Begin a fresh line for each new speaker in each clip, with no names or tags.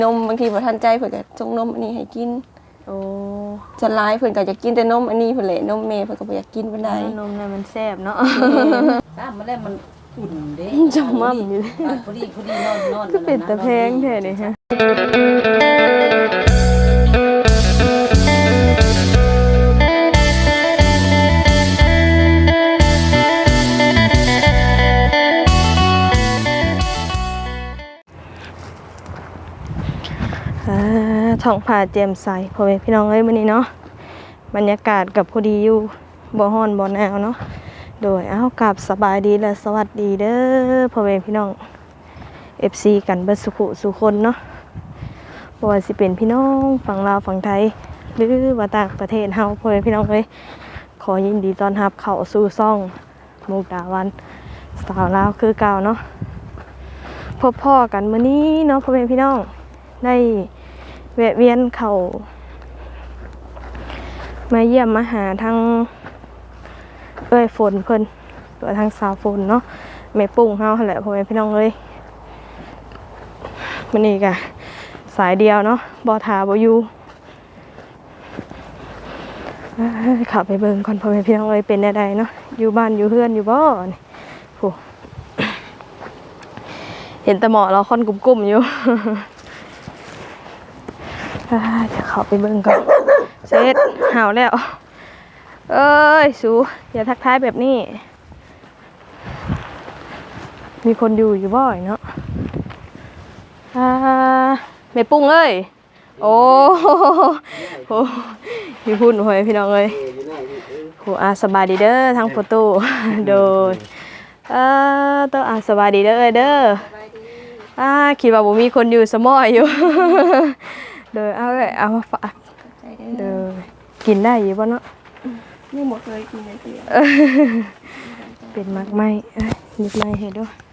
นมบางทีบ่ทันใจเพิ่นก็ส่งนมอันนี้ให้กิน
โอ้
จะหลายเพิ่นก็จะกินแต่นมอันนี้เพิ่นแหละนมแม่เพิ่นก็บ่อยากกินปานใด
นมน่ะมันแซ่บเนาะ
ตามมาแล้วมันอุ่นเด้
จังมั่มอยู่
พอดีนอน
ก็เป็นตะแพงแท้นี่ฮะท้องผ้าแจ่มใสพ่อแม่พี่น้องเอ้ยมื้อนี้เนาะบรรยากาศกับพอดีอยู่บ่ร้อนบ่หนาวเนาะโดยกับสบายดีและสวัสดีเด้อพ่อแม่พี่น้อง FC กันเบิดสุขุสุคนเนาะบ่ว่าสิเป็นพี่น้องฝั่งลาวฝั่งไทยหรือว่าต่างประเทศเฮาพ่อแม่พี่น้องเอ้ยขอยินดีต้อนรับเข้าสู่ช่องมุกดาวันสาวลาวคือเก่าเนาะพบพ่อกันมื้อนี้เนาะพ่อแม่พี่น้องได้แวะเวียนเข้ามาเยี่ยมมาหาทางฝนเพิ่นตัวทางสาวฝนเนาะแม่ปุ้งเฮาหั่นแหละพ่อแม่พี่น้องเอ้ยมื้อนี้ก็สายเดียวเนาะบ่ท่าบ่อยู่ขับไปเบิ่งก่อนพ่อแม่พี่น้องเอ้ยเป็นแนวใดเนาะอยู่บ้านอยู่เฮือนอยู่บ่นี่โหเห็นแต่หมอเราค่อนกุ้มๆอยู่จะเข้าไปเบิ่งก่อนเสร็จห่าวแล้วเอ้ยสูอย่าทักทายแบบนี้มีคนอยู่บ่อยเนาะแม่ปุ้งเอ้ยโอ้โหพี่พูดหน่อยพี่น้องเอ้ยโหสบายดีเด้อทางโฟโต้โดยต้องสบายดีเด้อเด้อคิดว่าบ่มีคนอยู่สมอยอยู่เด้อเอามาฝากเด้อกินได้อยู่บ่เนาะ
ยังบ่เคยกินเลยเด้อ
เป็นมักไหมนิดไหมเฮ็ดด้วย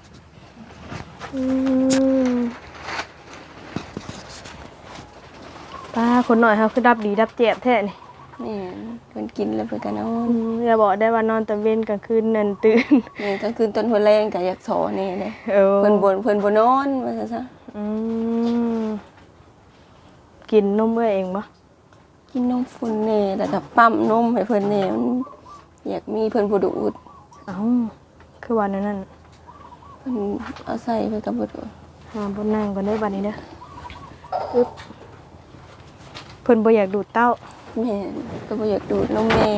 ป้าคนหน่อยเขาคือดับดีดับเจ็บแท้นี่
นี่เพิ่นกินแล้วเพิ่นก็นอน
อย่าบอกได้ว่านอนตอนเว้นกลางคืนนั่นตื่น
นี่กลางคืนตอนหัวแรงก็อยากสอนี่เด้เพิ่นบ่นอนว่าซั่น
กินนมเองบ่
กินนมฝุ่นแน่แล้วก็ปั๊มนมให้เพิ่นแน่มันอยากมีเพิ่นบ่ดูด
คือวันนั้น
เพิ่นเอาใส่เพิ่นก็บ่ดูด
บนนั่งก่อนเด้อบัดนี้เด้ออึ๊บเพิ่นบ่อยากดูดเต้า
แม่ก็บ่อยากดูดนมแม่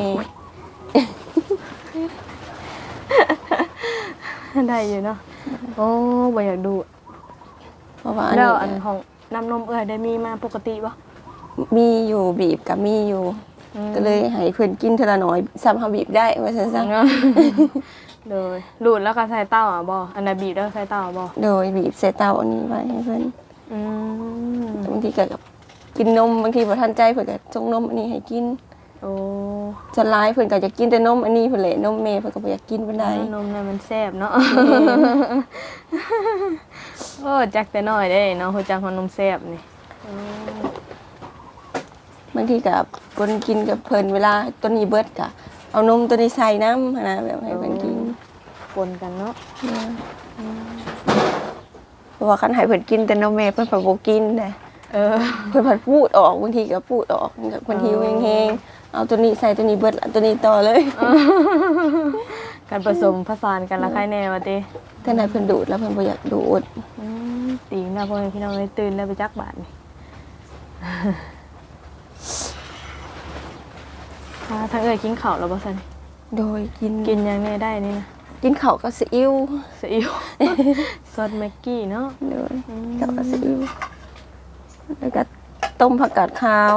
ได้อยู่เนาะโอ้บ่อยากดูด
เพราะว่า
แล้วอันของน้ำนมได้มีมาปกติบ่
มีอยู่บีบกับมีอยู่ก็เลยให้เพิ่นกินเท่าละน้อยซ้ำเฮาบีบได้ว่าซั่นซะ
เลยดูดแล้วก็ใส่เต้าบ่อันน่ะบีบแล้วใส่เต้าบ่
โดยบีบใส่เต้าอันนี้ไว้ให้เพิ่นบางทีก็กินนมบางทีบ่ทันใจเพิ่นก็ส่งนมอันนี้ให้กิน
โอ้
จะหลายเพิ่นก็จะกินแต่นมอันนี้เพิ่นแหละนมแม่เพิ่นก็บ่อยากกินปานใด
นมน่ะมันแซ่บเนาะโอ้จักแต่น้อยเด้เนาะฮู้จักว่านมแซ่บนี่
บางทีก็คนกินกับเพิ่นเวลาตัวนี้เบิดก็เอานมตัวนี้ใส่น้ำนะแบบให้เพิ่นกิน
ปนกันเนาะ
เพราะว่าคันให้เพิ่นกินแต่นมแม่เพิ่นบ่กินเด้เพิ่นพูดออกบางทีก็พูดออกเพิ่นหิวแฮงๆเอาตัวนี้ใส่ตัวนี้เบิดตัวนี้ต่อเลย
การผสมผสานกันละใครแน่ว่าติ
แต่นายเพิ่นดูดแล้วเพิ่นบ่อยากดูด
ตีนแล้วพ่อแม่พี่น้องเลยตื่นแล้วไปจักบาทนี่ทางกินข้าวแล้วบ่ซั่น
โดย
กินยังไงได้นี่นะ
กินข้าวก็ซีอิ๊ว
ซอสแม็กกี้เนาะ
โดยข้าวก็ซีอิ๊วแล้วก็ต้มผักกาดขาว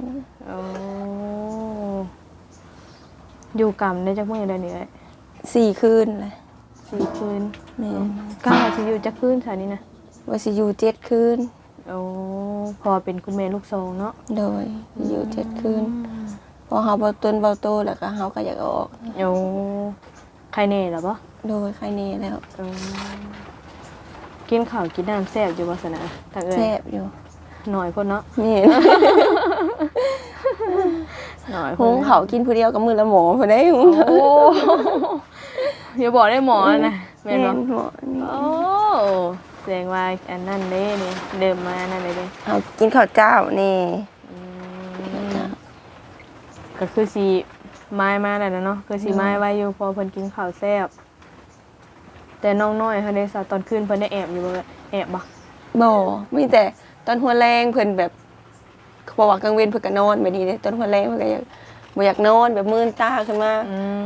อยู่กรรมได้จักมื้อได้นี่เอ้ย
4 คืนเลย
4 คืน
แม่
ก้าวสิอยู่จักคืนซะนี่นะ
ว่าสิอยู่7 คืน
พอเป็นคุณแม่ลูก2เนาะ
โดยอยู่7 คืนพอเฮาเบาตนเบาโตแล้วก็เฮาก็อยากออก
ใครแน่ล่ะบ่
โดยใครแน่แล้ว
กินข้าวกินน้ำแซ่บอยู่บ่ซั่นน่ะทางเอ้ย
แซ่บอยู่
หน่อยคนเนาะ
นี่หน่อยหุงเขากินผู้เดียวกับมือละหมอเพิ่นได้หุง
โอ้อย่าบอกได้หมอนะแม่นบ่
หมอ
โอ้แสดงว่าอันนั้นเด้นี่เดิมมานั่นเลยเด้
เอากินข้าวเจ้านี่
ก็คือสิไม้มาแล้วนะเนาะคือสิไม้ไว้อยู่พอเพิ่นกินข้าวแซ่บแต่น้องน้อยเฮาได้ซะตอนคืนเพิ่นได้แอบอยู่บ่แอบบ่
บ่มีแต่ตอนหัวแรงเพิ่นแบบเขาบอกว่ากลางเว้นเพิ่นก็นอนแบบนี้เด้ตอนหัวแรงเพิ่นก็อยากบ่อยากนอนแบบมื่นตาขึ้นมา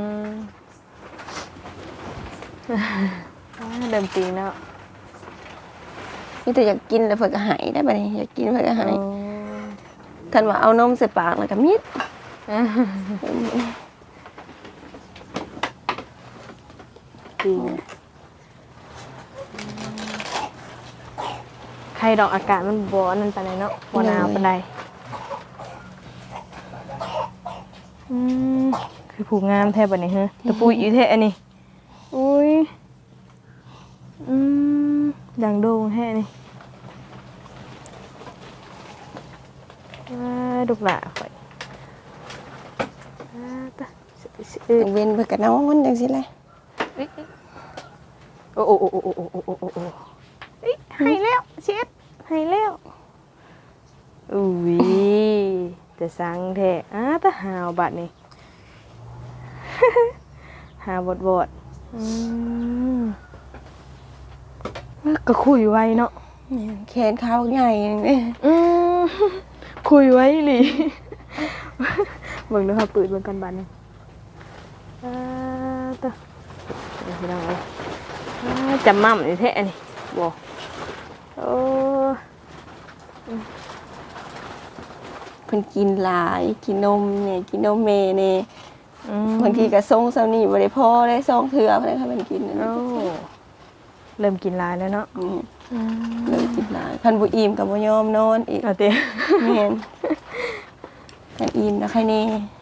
เดิมจริงแล้ว
มีแต่อยากกินแล้วเพิ่นก็ใหายได้บัดนี้อยากกินเพิ่นก็ใหายท่านว่าเอานมใส่ปากแล้วก็มิด
จริงใครดอกอากาศมันบ่นั่นปานใดเนาะบ่หนาวปานใดคือผูกงามแท้บัดนี้เฮ้ตะปุยอยู่แท้อันนี้อุ้ยดังโด่งแท้นี่ดุกหล่ะข่อยตะ
กลางเว้นเพิ่นก็นอนจังซี่แหละ
โอ้ให้แล้วเช็ดให้แล้วอุ้ยแต่สังแท้ตะหาวบัดนี่ หาบดก็คุยไว้เนาะ
เนี่ยแขนขาบักใหญ่นี่
คุยไว้หลิเบิ่งดูค่ะปืดเบิ่งกันบัดนี่ตะพี่น้องเอ้ยจำมั่มนี่แท้นี่บ่โอ้
เพิ่นกินหลายกินนมเนี่ยกินนมแม่นี่บางทีก็ส่งเซานี่บ่ได้พอได้2เทื่อเพิ่นให้เพิ่นกินนั่น
โอ้เริ่มกินหลายแล้วเนาะ
เลยกินหลายพันบ่อิ่มก็บ่ยอมนอนอีก
เอาเต้
แม่นแต่อิ่มนะใครแน่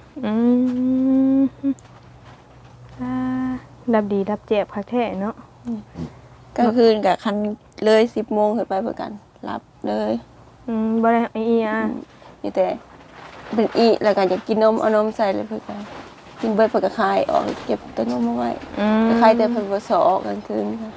ดับดีดับเจ็บคักแท้เนาะ
กลางคืนก็คันเลย10โมงขึ้นไปเพิ่นกันรับเลย
บ่ได้อีอ่ะ
มีแต่เป็นอีแล้วก็อยากกินนมเอานมใส่เลยเพิ่นกันกินเบิดเพิ่นก็คายออกเก็บต้นนมเอาไว้คายแต่เพิ่นบ่สอออกกลางคืนค่ะ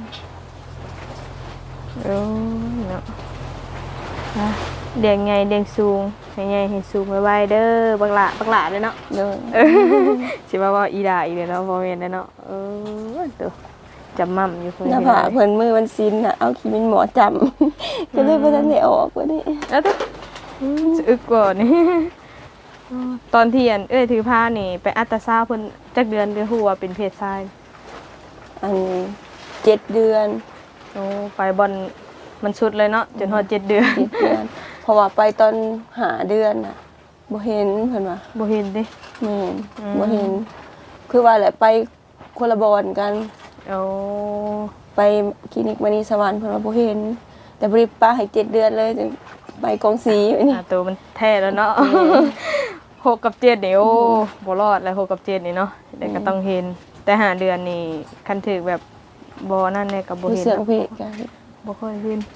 โอ้เนาะเดียงไงเดียงสูงให้ไงให้สูงไว้ๆเด้อบักหละเด้อเนาะ
เด้อ
สิว่าอีด่าอีกเนาะบ่แม่นเด้อเนาะตัวจำมั่มอยู่เพิ่น
หน้าผากเพิ่นมือวันซินน่ะเอาขี้มินหมอจำก็เลยบ่ทันได้ออกว่านี่
แล้วตัวจะอึกกว่านี่ ตอนที่ถือผ้านี่ไปอัลตราซาวด์เพิ่นจักเดือนฮู้ว่าเป็นเพศชาย
อัน7 เดือน
โอ้ไปบอลมันสุดเลยเนาะจนฮอด7 เดือน
7 เดือนเพราะว่าไปตอน5 เดือนน่ะบ่เห็นเพิ่นว่า
บ่เห็นเด้
แม่นบ่เห็น คือว่าแหละไปคนละบอนกัน
โอ้
ไปคลินิกมณีสวรรค์เพิ่นว่าบ่เห็น แต่บ่ได้ป้าให้7 เดือนเลยจังไปกองสีไว้นี่
ตัวมันแท้แล้วเนาะ6 กับ 7นี่โอ้บ่รอดแล้ว6 กับ 7นี่เนาะแต่ก็ต้องเห็นแต่5 เดือนนี่คันถึกแบบบ่นั่นแน่ก็บ่
ผู้
เห็น
เสือกเพศกัน
บ่ค่อยเห็น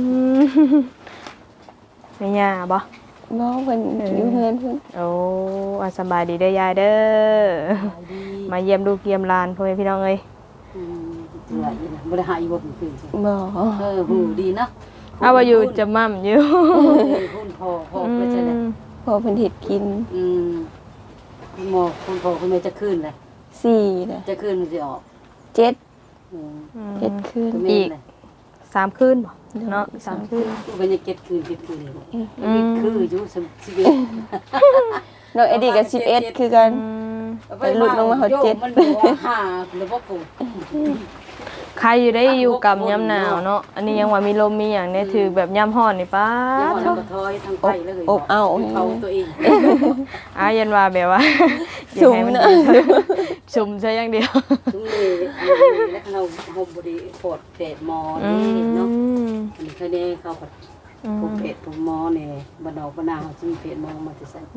แม่ย่าบ่
น้องเพิ่นอยู่เฮือนเพิ่น
โอ้สบายดีเด้อยายเด้อมาเยี่ยมลูกเยี่ยมหลานพ่อแม่พี่น้องเอ้ย
ตัวอีน่ะบ่ได้หาอีบ่เป็นใช่
บ่
หูดีเนาะ
เอาว่าอยู่จะมั่มอยู่
พุ่นพ่อไปใช่แหละ
พอเพิ่นเฮ็ดกิน
หมอคุณพ่อคุณแม่จะขึ้นเลย
4เลย
จะขึ้นมันสิออก
7 เฮ็ดคืน
อีก3 คืนบ่เนาะ3 คืน
กูเป็นยังเก็ดคืนเลยคืออยู่ชีวิต
น้องเอดี้ก็11คือกัน ไปหลุดลงมาเขาเจ็ด
มันบอกว่าหาแล้วบ่กู
ใครอยู่ได้อยู่กับยามหนาวเนาะอันนี้ยังว่ามีลมมีหยังเนี่ยถือแบบยามร้อนนี่ป้า
แล้ว
ทุ
ก็ถอยทางไปเลย
อบเอา
เขาตัวเอง
ยันว่าแบบว่า
สุ่ม
อยากให้
เนอะ
สุ่มใช่อย่างเดียว
ทุกเลยแล้วเราห่มบ่ได้ปวดเปดหมอนี่เนาะอันนี้เขาเนี่ยเขาก็ผมเพจผมหมอเนี่ยบ้านนอกบ้านนาเขาจะมีเพจหมอมาจะใส่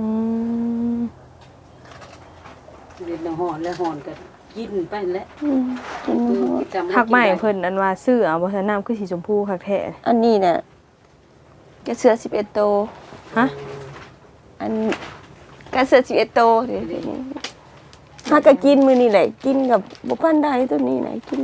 เรียนหอนแล้วหอนก็กินไปแล้ว
กินบ่หมด
ผักใหม่เพิ่นอันว่าซื้อเอาบ่ทันน้ำคือสีชมพูคักแท้
อันนี้น่ะกระเสือ11โตว
ฮะ
อันกระเสือ11โตวเดี๋ยวนี้ถ้าก็กินมื้อนี้แหละกินกับบ่ปานใดตัวนี้น่ะกิน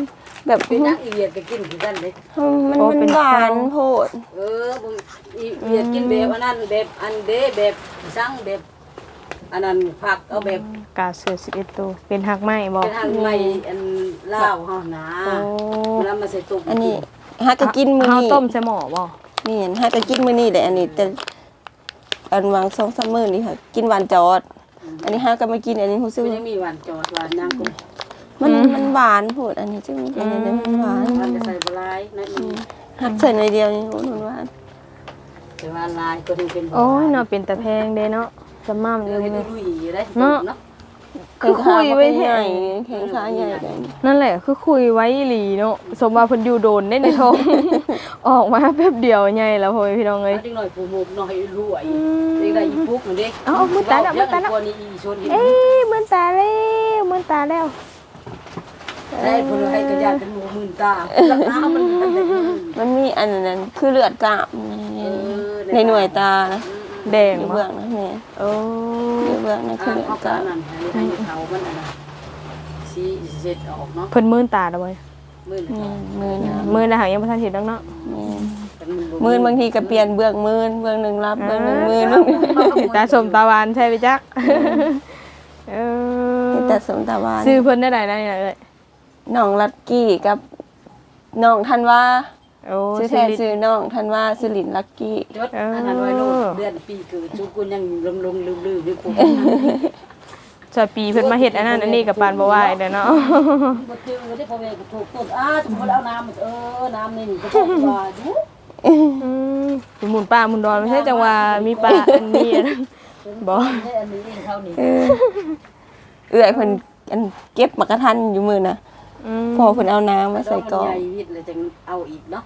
แบบ
เป็นนักอีเวียดก็กินคือกันเด้
มันหวานโพด
บ่อีเวียดกินแบบอันนั้นแบบอันเด้แบบสั่งแบบอันนั้นผักเอาแบบ
กาเสือ11ตัวเป็นหักไม้บ่
เป็นทางใหม่อันลาวเฮานะ
โอ้
แล้วมาใส่ตุก
อันนี้ฮักก็กินมื้อ
เฮา
นี้
ต้มใส่หม้อบ่
นี่เห็นฮักก็กินมื้อนี้แหละอันนี้แต่อันวาง2-3มื้อนี่ค่ะกินหวานจอด อันนี้ฮักก็มากินอันนี้รู้สึก
มัน
ว่า
ยังมีหวานจอดหวานย่างกุ้ง
มันหวานโพดอันนี้จึงอันนี้มันหวาน
มันจะใส่บลายนั่นเอง
ฮักใส่หน่อยเดียวนี่โหมันหวาน
แต่ว่าลายก็ถึงเป็น
โอ้ยเนาะเป็นตะแพงเด้เนาะจะม่ำอ
เรื่
ยู่
อง
นี่
ลุยได้
เนาะ
เนาะ
คือคุยไว้
ให
แท้
ญ่แข็งขาใหญ่เลย
นั่นแหละคือคุยไว้อีหลีเนาะสมว่าเพิ่นอยู่โดนได้ในท้อง ออกมาแป๊บเดียวใหญ่แล้วพ่อแม่พี่น้องเอ้ย
เด็กหน่อยผู้มุกหน่อยรวยเด็กได้อีปุ๊กนั่นเด้
เอามือตาแล้วมือตาแล้ว
คนนี้อีชนเห็น
เอ้ยเหมือนตาแล้วเหมือนตาแล้ว
ได้เพิ่นให้กระยาเป็นหมู่หมื่นตาลักน้ำมัน
มันมีอันนั้นคือเลือดกล้ามในหน่วยตานะ
แดง
อยู่
บ่
เบื้องนะแม่
โอ้
อยู่เบื้องนั่นคือเลือด
เอา
ก
กา
ล้าร ม
นั่นให้เขามันอันนั้นสีเสร็จออกเนาะ
เพิ่นมื่นตาแล้วเว้ย
มื่น
มือนะ
มื่นแล้วหายังบ่ทันเห็นดอกเนาะ
มือบางทีก็เปลี่ยนเบื้องมือเบื้องหนึ่งรับเบื้องหนึ่งมือนึง
ตาสมตาหวานใช่ไหมจักเออ
แต่สมตะวัน
ชื่อเพิ่นได้ไหนนี่ล่ะเอ้ย
น้องลักกี้กับน้องธันวา
โอ้
ชื่อแท้ชื่อน้องธันวาสุรินทร์ลักกี้
ยศอันนั้นไว้โลดเดือนปีเกิดจุกุนยังลงลืมอยู่ปุ๊บ
จะปีเพิ่นมาเฮ็ดอันนั้นอันนี้กับปานบ่ไหวเด้อเนาะ
บ่ถึงก็ได้พ่อแม่ก็ถูกต้นสมมุติเอาน้ำน้ำนี่ก็ต้องว่าอยู่
สิหมุนป่าหมุนดอนไม่ใช่จังว่ามีป่าอันนี้อันนั้นบ่
ได้อันนี้เองเท่านี้
เอื้อยเพิ่นอันเก็บมากระทันอยู่มือนะ พอเพิ่นเอาน้ำมาใส่กล่อง
ใหญ่วิทย์เลยจังเอาอีกเนาะ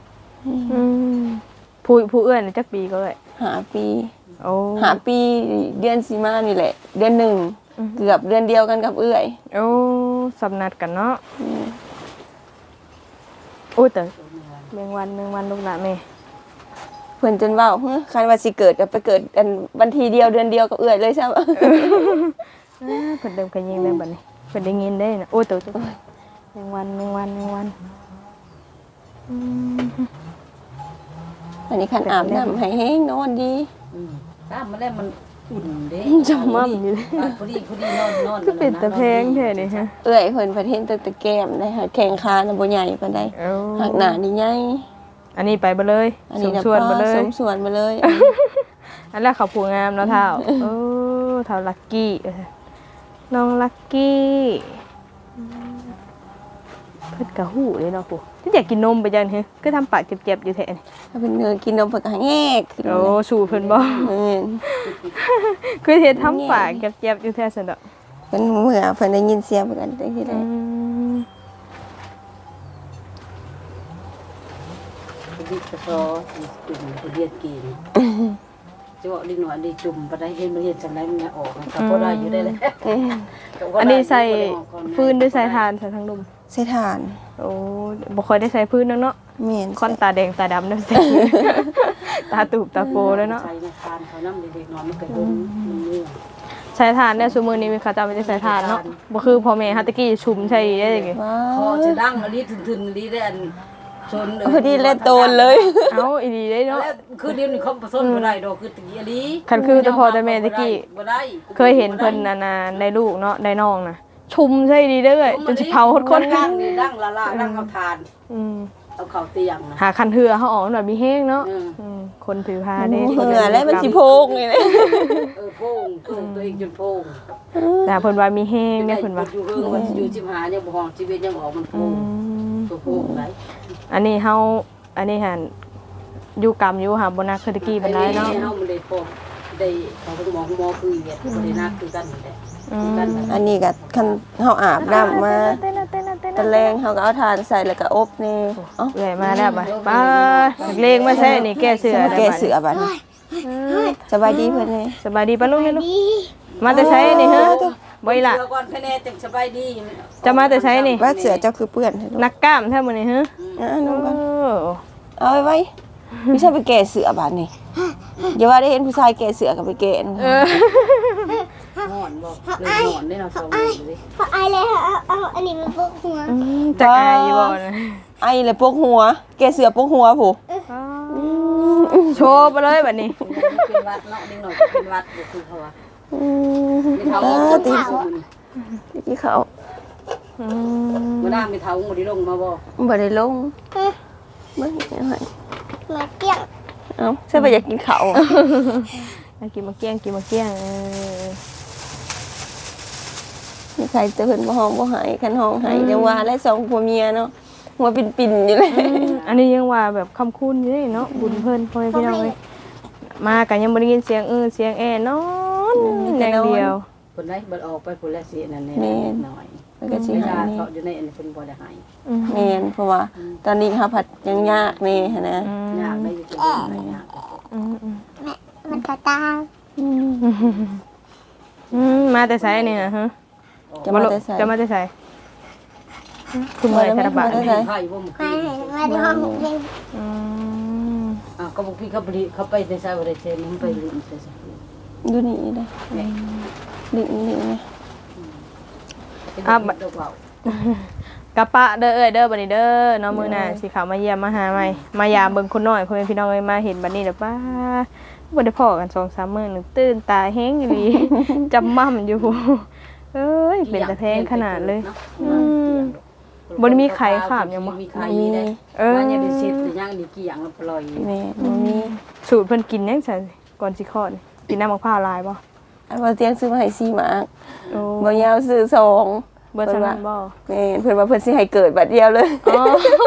ผู้เอื้อนจักปีก็เลย
หาปี
โอ้
หาปีเดือนสิมานี่แหละ เดือนหนึ่งเกือบเดือนเดียวกันกับเอื้อย
โอ้สำนัดกันเนาะโอ้แต่แมงวันลูกหลานแม่
เพิ่นจนเว้าคันว่าสิเกิดก็ไปเกิดอันวันที่เดียวเดือนเดียวกับเอื้อยเลยใช่บ่
เพิ่นเดิมกันยิงได้บัดนี้เพิ่นได้ยินได้นะโอ้ตัวแมงวัน
อันนี้คันอาบน้ำให้แห้งนอนดี
ตามมาแล้วมันอุ่นเด้
จำมั่มอยู่เลย
พอดีนอน
ก็เป็นตะแพงแท้นี่ฮะ
เอื้อยเพิ่นประเทศตะแก้มได้ค่ะแข้งขาน่ะบ่ใหญ่ปานใด
โอ้
หักหน้านี่ใหญ่
อันนี้ไปบ่เลย
อัน
ส
นี้
ม
น่ะ
ส่วนบ่เลย
สมส่วนมาเลย
อันแรกเขาผูงามเนาะเท่าเท่าลักกี้น้องลักกี้เพิ่นกะหูเลยเนาะปู่ที่อยากกินนมไปจังเฮ้ก็ทำปากเจ็บๆอยู่แท้นี่
ถ้าเป็นเนื้อกินนมเพิ่นก็แงกขึ้น
โอ้สู่เพิ่นบ่
แม่น
คือเฮ็ดทำปากเจ็บๆอยู่แท้ซั่นดอก
เพิ่นเมื่อเพิ่นได้ยินเสียงเพิ่นก็ได้ที่
อื
ได้
ม
พอดีกระซอจุ่มพอดีกินจะบอกดิหน่อยดิจุ่มไปได้เห็นมันเห็นจังไรมันออกก็พอได้อยู่ได้เลย
อันนี้ใส่ฟืนด้วยใส่ถ่านใส่ทั้งดุม
ใส่ถ่าน
โอ้บ่ค่อยได้ใส่พื้นเนาะ
แม่น
ค่อนตาแดงตาดำเนาะ ตาตูบตาโกแล้วเนาะ
ใส่ในคานเขาน้ำเด็กๆนอนมันก็ดุมมันเมื่อ
ใช้ทานเนี่ยซุมื้อนี้มีเขาจำไม่ได้ใช้ทานเนาะบ่คือพ่อแม่ฮัตตะกี้ชุมใช่ได้จังไง
ว้า
คอ
ว
จะดังอันนี้ถึนๆอันนี้ได้อันชน
พอดีเล่นโตนเลย
เอ้าอีดีได้เนาะ
แล้วคือเดี๋ยวนี้เขาผสมบ่ได้ดอกคือตะกี้อันนี้
คันคือแต่พอแต่แม่ตะกี้
บ่ได้
เคยเห็นเพิ่นนาในลูกเนาะได้น้องน่ะ ชุมใช่ดีเด้อจนสิเผาคน
ดังนี่ดังละล่าดังเอาทาน
อืม
เอาเข้าเตียงนะ
หาคันเหือเฮาออกหน่อยมีแห้งเนาะคนถือผ้าเด้
เหงื่อแล้วมันสิโพกนี่เลย
โป่งตัวเองจนโป่ง
แต่เพิ่นว่ามีแห้งเนี่ยเพิ่นว่า
อยู่เรื่องว่าอยู่ชิมหายังบ่ห้องชีวิตยังออกมันโป่งตัวโป่งไหน
อันนี้เฮาอันนี้หันอยู่กรรมอยู่หาบ่นักคือตะกี้ปานใดเนาะ
เฮามันได้พอได้เขาก็หมอคือเวียดบ่ได้นักคือกันนั่นแหละกัน
อันนี้ก็คันเฮาอาบน้ำมาตะแรงเฮาก็เอาถ่านใส่แล้วก็อบนี่เอ้า
เอื่อยมาแล้วบ่ป้าเลงมาใส่นี่แก้เสือ
แกเสือบัดนี้สบายดีเพิ่นเลย
สบายดีป่ะลูกนี่ลูกมาแต่ใช้นี่ฮะบ่อีหล่ะ
เสือก่อนคะแนนจังสบายดี
จะมาแต่ใช้นี่
ว่าเสือเจ้าคือเปื้อนให้ลูก
นักกล้ามแท้มื้อนี้ฮะ
นุ่งก่อน
โอ้
เอาไว้พี่ชายไปแก่เสือบาดนี่อย่าว่าได้เห็นผู้ชายแก่เสือกับไปแก่นะ
หอนบ่เลยหอนได้เนาะสองมื้อเลย
พอไอเลยเอาอันนี้มันพวกหัว
จะอายอยู่บ่นะ
ไอ้เลยปกหัว แก่เสือปกหัวผู้
โชว์ไปเลยบัดนี้
เป็นวัดเนาะนิดหน่อยเป็นวัดบ่คือเขาว่ามีเท้าตีน
ที่เขา
มื้อหน้ามีเท้าบ่ได้ลงมาบ่
บ่ได้ลงเบิ่งยังไง
มาเกี้ยง
เอ้าใช่ไปอยากกินข้าว
กินมาเกี้ยงกินมาเกี้ยง
มีใครจะเพิ่นบ่ห้องบ่หายคันห้องหายจังว่าและสองผัวเมียเนาะหัวปิ่นๆอยู่เลย
อันนี้ยังว่าแบบคำคุ้นอยู่เลยเนาะบุญเพิ่นพ่อแม่พี่น้องเลยมากันยังบ่ได้ยินเสียงเสียงนอนอย่างเดียว
เพิ่นได้บ่ออกไปพุ่นแล้วสินั่นแหละหน่อย
มันก็สิ
เว
หา
ลาย
นี่
เขาอยู่ในอันนี้เพิ่นบ่ได้ให้
แม่นเพราะว่าตอนนี้หาผัดยังยากนี่หันนะ
ยากได้อยู่จังได๋ยาก
มันกระตา
มาแต่ไสนี่นะฮะ
จะมาแต่ใส่
จะมาแต่ไสคุณเมื่อยธนบัตร
มาแต่ไส
ไผบ่มื้อ
มา
คืน
มาดูห้องเล่น
ก็บอกพี่เขาไปในซอยบริเซนมันไปลืมใช่ไหม
ดูนี่ได้นี่นะ
ดอกเบาก
ะปะเด้อเด้อบัดนี้เด้อเนาะมื้อหน้าสิเข้ามาเยี่ยมมาหาใหม่มายามเบิ่งคนน้อยพ่อแม่พี่น้องเอ้ยมาเห็นบัดนี้เด้อป้าบ่ได้พ้อกัน 2-3 มื้อนึงตื่นตาแฮงอีหลี จำม่ำอยู่เอ้ยเป็นตาแพงขนาดเลยบ่ได้มีไข่ขามยังบ่
มีไข่ได้ว่าอย่าได้เสร็จแต่ย่างนี่กี่อย่างแล้วปล่อย
แม่บ่มี
สูตรเพิ่นกินยังซั่นก่อนสิคลอดนี่กินน้ำมะพร้าวลายบ่
อันว่าเตียงซื้อมาให้4หมาก
โอ้
บ่ยาวซื้อ2
เบิดซั่นบ่
แม่เพิ่นว่าเพิ่นสิให้เกิดบัดเดียวเลย
อ๋อ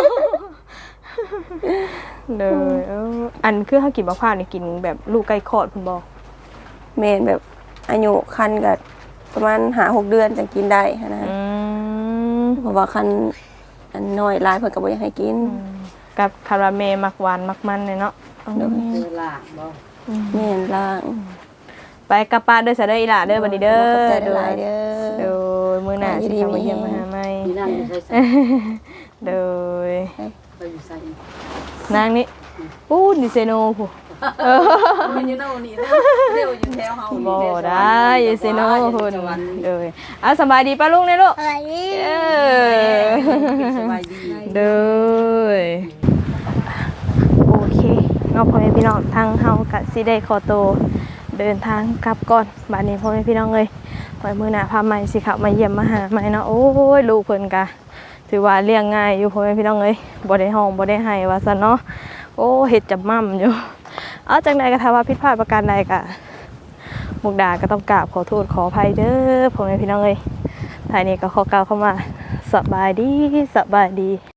เลยอันคือเฮากินมะพร้าวนี่กินแบบลูกใกล้คลอดเพิ่นบ่
แม่นแบบอายุคันก็ประมาณ5-6เดือนจังกินได้หันนะเพราะว่าคันอันน้อยหลายเพิ่นก็บ่อยากให้กิน
กับคาราเมลมักหวานมักมันเลยเนาะ
เวลาบ่
แม่นล่าง
ไปกับป้าเด้อซะเด้ออีหล่าเด้อบัดนี้เด้อ
ขอบใจหลายเด้
โด
อย
มื้อหน้าสิเข้ามาเยี่ยมมาหาใหม่
มีนั่งอยู่ใส่ใส่
โดย
ไปอยู่ใส่
นางนี่ปู้ดิเซโนผู้
มันอยู่โน่นนี่เร็วอยู่แถวเฮา
บ่ได้ดิเซโนพุ่นโดยสบายดีป้าลุงเด้อลูก
อะไรนี่
สบายดี
โดยโอเคเนาะพ่อแม่พี่น้องทางเฮาก็สิได้ขอตัวเดินทางกลับก่อนบัดนี้พ่อแม่พี่น้องเอ้ยไว้มื้อหน้าพาใหม่สิเข้ามาเยี่ยมมาหาใหม่เนาะโอ้ยลูกเพิ่นก็ถือว่าเลี้ยงง่ายอยู่พ่อแม่พี่น้องเอ้ยบ่ได้ห้องบ่ได้ให้ว่าซั่นเนาะโอ้เฮ็ดจับม่ำอยู่เอาจังใดก็ถ้าว่าผิดพลาดประการใดก็มุกดาก็ต้องกราบขอโทษขออภัยเด้อพ่อแม่พี่น้องเอ้ยท้ายนี้ก็ขอกล่าวเข้ามาสบายดี